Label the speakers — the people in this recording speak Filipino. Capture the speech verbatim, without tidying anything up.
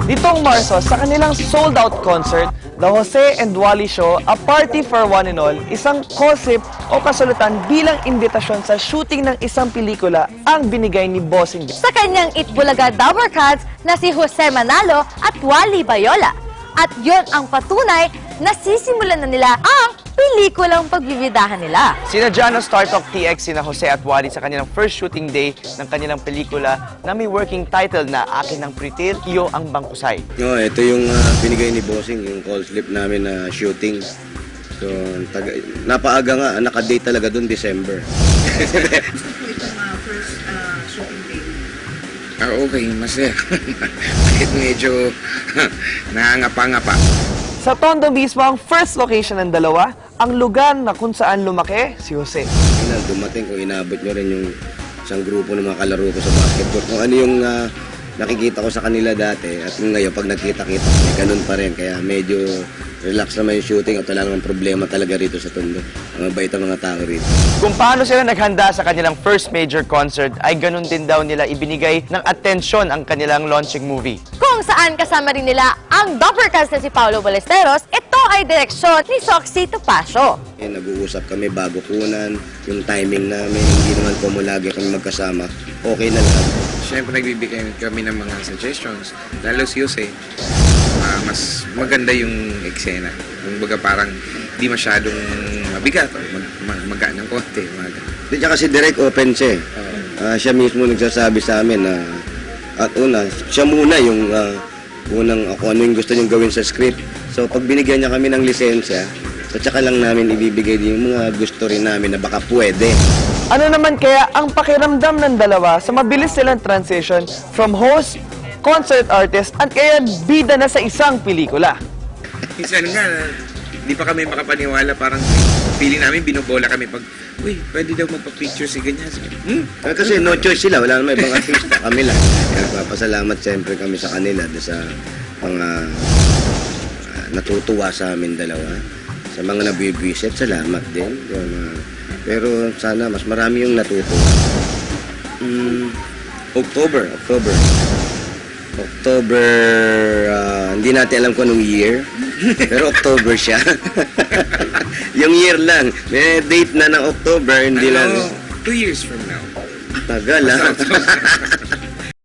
Speaker 1: Nitong Marso, sa kanilang sold-out concert, The Jose and Wally Show, A Party for One and All, isang concept o kasulatan bilang imbitasyon sa shooting ng isang pelikula ang binigay ni Bossing.
Speaker 2: Sa kanyang Itbulaga Dabber Cats na si Jose Manalo at Wally Bayola. At yon ang patunay na sisimulan na nila ang pelikulang pagbibidahan nila.
Speaker 1: Sinadya ng Star Talk T X sina Jose at Wally sa kanilang first shooting day ng kanilang pelikula na may working title na Akin ang Pritil, Iyo ang Bangkusay.
Speaker 3: No, ito yung uh, binigay ni Bossing, yung call slip namin na shooting. So, taga, napaaga nga, naka-date talaga doon December.
Speaker 4: Ito mga first uh, shooting day.
Speaker 5: Ah, okay, masaya. Kahit medyo nangangapa-ngapa.
Speaker 1: Sa Tondo mismo, ang first location ng dalawa, ang lugar na kung saan lumaki si Jose.
Speaker 3: Final, dumating kung inabot nyo rin yung isang grupo ng mga kalaro ko sa basketball. Kung ano yung uh, nakikita ko sa kanila dati at ngayon pag nagkita-kita, may ganun pa rin. Kaya medyo relax naman yung shooting at wala namang problema talaga rito sa Tondo. Ang mabait ang mga tao rito.
Speaker 1: Kung paano sila naghanda sa kanilang first major concert, ay ganun din daw nila ibinigay ng atensyon ang kanilang launching movie.
Speaker 2: Kung saan kasama rin nila ang Dabber Cats na si Paolo Ballesteros, ito ay direksyon ni Soxy Topacio.
Speaker 3: Eh, nag-uusap kami bago kunan, yung timing namin, hindi naman po mo lagi kami magkasama. Okay na lang.
Speaker 5: Siyempre, nagbibigay kami ng mga suggestions. Lalo si Jose, uh, mas maganda yung eksena. Yung baga parang di masyadong mabigat o mag, mag, magaan ng konti. Mag...
Speaker 3: Di siya kasi direct open siya. Uh, siya mismo nagsasabi sa amin na at una, siya muna yung uh, unang ako ano yung gusto niyong gawin sa script. So pag binigyan niya kami ng lisensya, so tsaka lang namin ibibigay din yung mga gusto rin namin na baka pwede.
Speaker 1: Ano naman kaya ang pakiramdam ng dalawa sa mabilis silang transition from host, concert artist, at kaya bida na sa isang pelikula?
Speaker 5: Minsan nga, di pa kami makapaniwala. Parang feeling namin, binobola kami pag, uy, pwede daw magpa-picture si ganyan. Hmm?
Speaker 3: Eh, kasi no choice sila, wala naman ibang artista, kami lang. Kaya nagpapasalamat siyempre kami sa kanila do sa mga uh, natutuwa sa amin dalawa. Sa mga nabibwisit, salamat din. Yung, uh, pero sana mas marami yung natutuwa. Mm, October, October. October, uh, hindi natin alam kung anong year, pero October siya. Yung year lang. May date na ng October, hindi
Speaker 5: ano,
Speaker 3: lang.
Speaker 5: two years from now.
Speaker 3: Tagal, ha?